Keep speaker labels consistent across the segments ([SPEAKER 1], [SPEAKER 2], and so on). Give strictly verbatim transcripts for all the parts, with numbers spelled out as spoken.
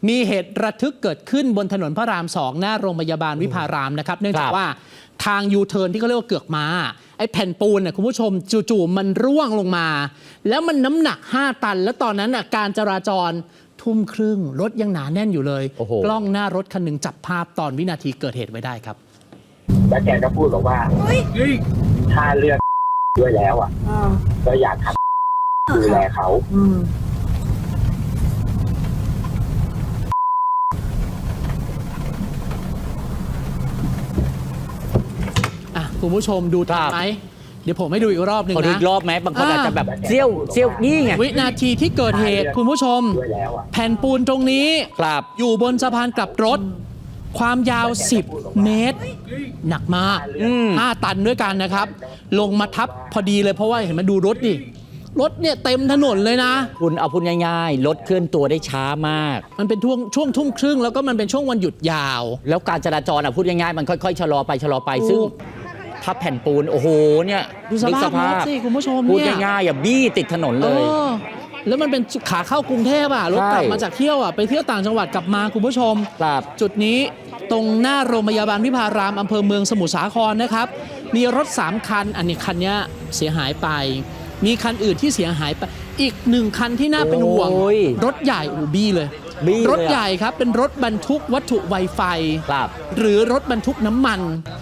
[SPEAKER 1] มีเหตุระทึกเกิดขึ้นบนถนนพระรามสองหน้าโรงพยาบาลวิภารามนะครับเนื่องจากว่าทางยูเทิร์นที่เขาเรียกว่าเกือกม้าไอ้แผ่นปูนเนี่ยคุณผู้ชมจู่ๆมันร่วงลงมาแล้วมันน้ำหนักห้าตันแล้วตอนนั้นน่ะการจราจรทุ่มครึ่งรถยังหนาแน่นอยู่เลยกล้องหน้ารถคันหนึ่งจับภาพตอนวินาทีเกิดเหตุไว้ได้ครับ
[SPEAKER 2] แล้วแกก็พูดบอกว่าถ้าเลือกด้วยแล้วอ่ะก็อยากทำดูแลเขา
[SPEAKER 1] คุณผู้ชมดูทันไหมเดี๋ยวผมให้ดูอีกรอบหนึ่งนะ
[SPEAKER 3] ดูอีกรอบไหมบางคนอาจจะแบบเซี่ยวเซี่ยวนี่ไง
[SPEAKER 1] วินาทีที่เกิดเหตุคุณผู้ชมแผ่นปูนตรงนี้อยู่บนสะพานกลับรถความยาวสิบเมตรหนักมากห้าตันด้วยกันนะครับลงมาทับพอดีเลยเพราะว่าเห็นมันดูรถดิรถเนี่ยเต็มถนนเลยนะ
[SPEAKER 3] คุณเอาพูดง่ายๆรถเคลื่อนตัวได้ช้ามาก
[SPEAKER 1] มันเป็นช่วงช่วงทุ่มครึ่งแล้วก็มันเป็นช่วงวันหยุดยาว
[SPEAKER 3] แล้วการจราจรอ่ะพูดง่ายๆมันค่อยๆชะลอไปชะลอไปซึ่งทับแผ่นปูนโอ้โหเนี่ย
[SPEAKER 1] ดูสภาพรถสิคุณผู้ชม
[SPEAKER 3] พูดง่ายๆอย่าบี้ติดถนนเลย
[SPEAKER 1] แล้วมันเป็นขาเข้ากรุงเทพอ่ะรถกลับมาจากเที่ยวอ่ะไปเที่ยวต่างจังหวัดกลับมาคุณผู้ชมจุดนี้ตรงหน้าโรงพยาบาลวิภารามอำเภอเมืองสมุทรสาครนะครับมีรถสามคันอันนี้คันนี้เสียหายไปมีคันอื่นที่เสียหายไปอีกหนึ่งคันที่น่าเป็นห่วงรถใหญ่อูบี้เลยรถใหญ่ครับเป็นรถบรรทุกวัตถุไวไฟหรือรถบรรทุกน้ำมัน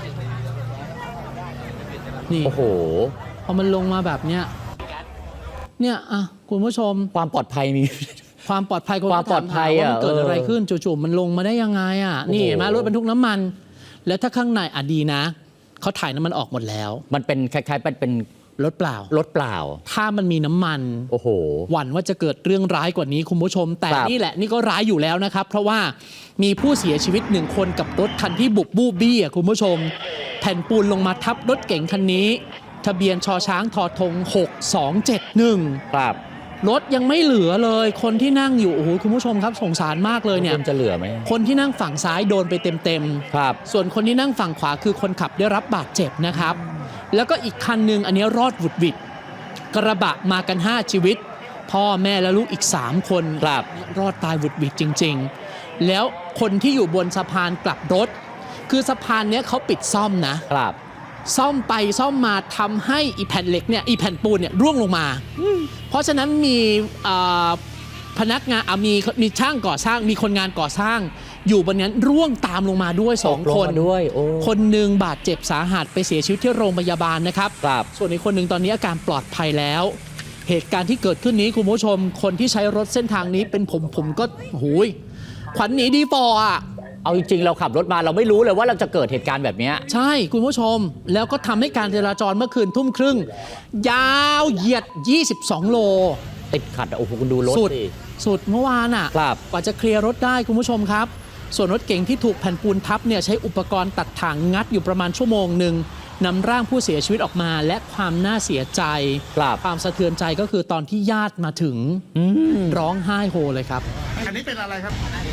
[SPEAKER 1] นี่
[SPEAKER 3] โอ้โห
[SPEAKER 1] พอมันลงมาแบบเนี้ยเนี่ยอ่ะคุณผู้ชม
[SPEAKER 3] ความปลอดภัยมี
[SPEAKER 1] ความปลอดภัย
[SPEAKER 3] ความปลอดภัยอ่ะ
[SPEAKER 1] มันเกิดอะไรขึ้นจู่ๆมันลงมาได้ยังไงอ่ะนี่เห็นไหมรถบรรทุกน้ำมันแล้วถ้าข้างในอ่ะดีนะเขาถ่ายน้ำมันออกหมดแล้ว
[SPEAKER 3] มันเป็นคล้ายๆเป็น
[SPEAKER 1] รถเปล่าร
[SPEAKER 3] ถเปล่า
[SPEAKER 1] ถ้ามันมีน้ำมัน
[SPEAKER 3] โอ้โห
[SPEAKER 1] หวั่นว่าจะเกิดเรื่องร้ายกว่านี้คุณผู้ชมแต่นี่แหละนี่ก็ร้ายอยู่แล้วนะครับเพราะว่ามีผู้เสียชีวิตหนึ่งคนกับรถคันที่บุกบู้บี้อ่ะคุณผู้ชมแผ่นปูนลงมาทับรถเก๋งคันนี้ทะเบียนชอช้างทอธงหกสองเจ็ดหนึ่ง
[SPEAKER 3] ครับ
[SPEAKER 1] รถยังไม่เหลือเลยคนที่นั่งอยู่โอ้โหคุณผู้ชมครับสงสารมากเลยเนี่ย
[SPEAKER 3] จะเหลือไหม
[SPEAKER 1] คนที่นั่งฝั่งซ้ายโดนไปเต็ม
[SPEAKER 3] ๆครับ
[SPEAKER 1] ส่วนคนที่นั่งฝั่งขวาคือคนขับได้รับบาดเจ็บนะครับแล้วก็อีกคันหนึ่งอันนี้รอดหวุดหวิดกระบะมากันห้าชีวิตพ่อแม่และลูกอีกสามคน
[SPEAKER 3] ครับ
[SPEAKER 1] รอดตายหวุดหวิดจริงๆแล้วคนที่อยู่บนสะพานกลับรถคือสะพานเนี้ยเขาปิดซ่อมนะครับซ่อมไปซ่อมมาทำให้อีแผ่นเหล็กเนี่ยอีแผ่นปูนเนี่ยร่วงลงมาเพราะฉะนั้นมีพนักงานมีมีช่างก่อสร้างมีคนงานก่อสร้างอยู่บนนั้นร่วงตามลงมาด้วยสองคน
[SPEAKER 3] ด้วย
[SPEAKER 1] คนหนึ่งบาดเจ็บสาหัสไปเสียชีวิตที่โรงพยาบาลนะครับส่วนอีกคนหนึ่งตอนนี้อาการปลอดภัยแล้วเหตุการณ์ที่เกิดขึ้นนี้คุณผู้ชมคนที่ใช้รถเส้นทางนี้เป็นผมผมก็หูยขวัญหนีดีฟออ่ะ
[SPEAKER 3] เอาจริงๆเราขับรถมาเราไม่รู้เลยว่าเราจะเกิดเหตุการณ์แบบนี้
[SPEAKER 1] ใช่คุณผู้ชมแล้วก็ทำให้การจราจรเมื่อคืนทุ่มครึ่งยาวเหยียดยี่สิบสองโล
[SPEAKER 3] ติดขัดโอ้โหคุณดูรถสิ
[SPEAKER 1] สุดเมื่อวานอ่ะกว่าจะเคลียร์รถได้คุณผู้ชมครับส่วนรถเก๋งที่ถูกแผ่นปูนทับเนี่ยใช้อุปกรณ์ตัดถ่างงัดอยู่ประมาณชั่วโมงหนึ่งนำร่างผู้เสียชีวิตออกมาและความน่าเสียใจความสะเทือนใจก็คือตอนที่ญาติมาถึงร้องไห้โฮเลยครับ
[SPEAKER 4] อันนี้เป็นอะไรครับ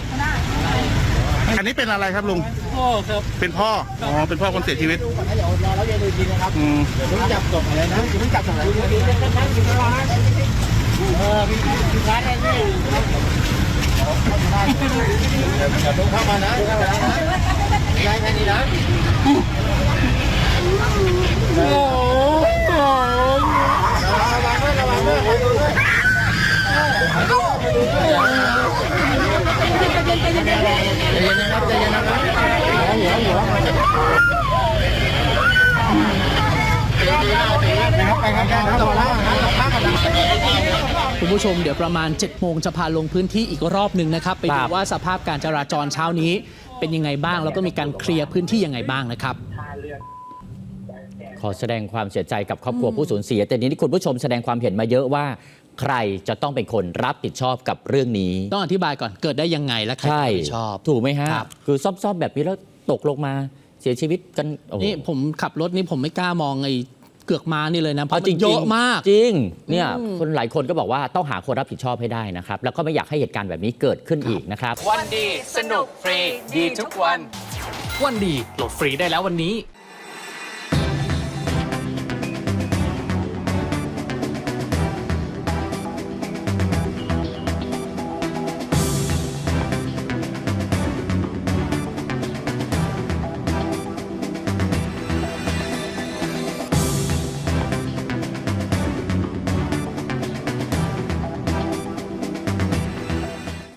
[SPEAKER 4] อันนี้เป็นอะไรครับลุงพ่อครับเป็นพ่ออ๋อเป็นพ่อคนเสียชีวิตอืมเดี๋ยวจับศพอะไรนะเดี๋ยวจับศพอะไรเออพี่พี่ร้านอะไรนี่อย่าต้องเข้ามานะเข้ามานะยายแค่นี้นะโอ้โหระวังด้วยระวังด้วยระวังด้วยใจเย็นนะครับใจเย็นนะครับหัวหัว
[SPEAKER 1] คุณผู้ชมเดี๋ยวประมาณเจ็ดโมงจะพาลงพื้นที่อีกรอบหนึ่งนะครับไปดูว่าสภาพการจราจรเช้านี้เป็นยังไงบ้างแล้วก็มีการเคลียร์พื้นที่ยังไงบ้างนะครับ
[SPEAKER 3] ขอแสดงความเสียใจกับครอบครัวผู้สูญเสียแต่นี้ที่คุณผู้ชมแสดงความเห็นมาเยอะว่าใครจะต้องเป็นคนรับผิดชอบกับเรื่องนี้
[SPEAKER 1] ต้องอธิบายก่อนเกิดได้ยังไงและใครรับผิดชอบ
[SPEAKER 3] ถูกไหมฮะคือซ่อมๆแบบนี้แล้วตกลงมาเสียชีวิตกัน
[SPEAKER 1] นี่ผมขับรถนี่ผมไม่กล้ามองไอ้เกือกม้านี่เลยนะเพราะมันเยอะมาก
[SPEAKER 3] จริงเนี่ยคนหลายคนก็บอกว่าต้องหาคนรับผิดชอบให้ได้นะครับแล้วก็ไม่อยากให้เหตุการณ์แบบนี้เกิดขึ้นอีกนะครับ
[SPEAKER 5] วันดีสนุกฟรีดีทุกวันวันดีโหลดฟรีได้แล้ววันนี้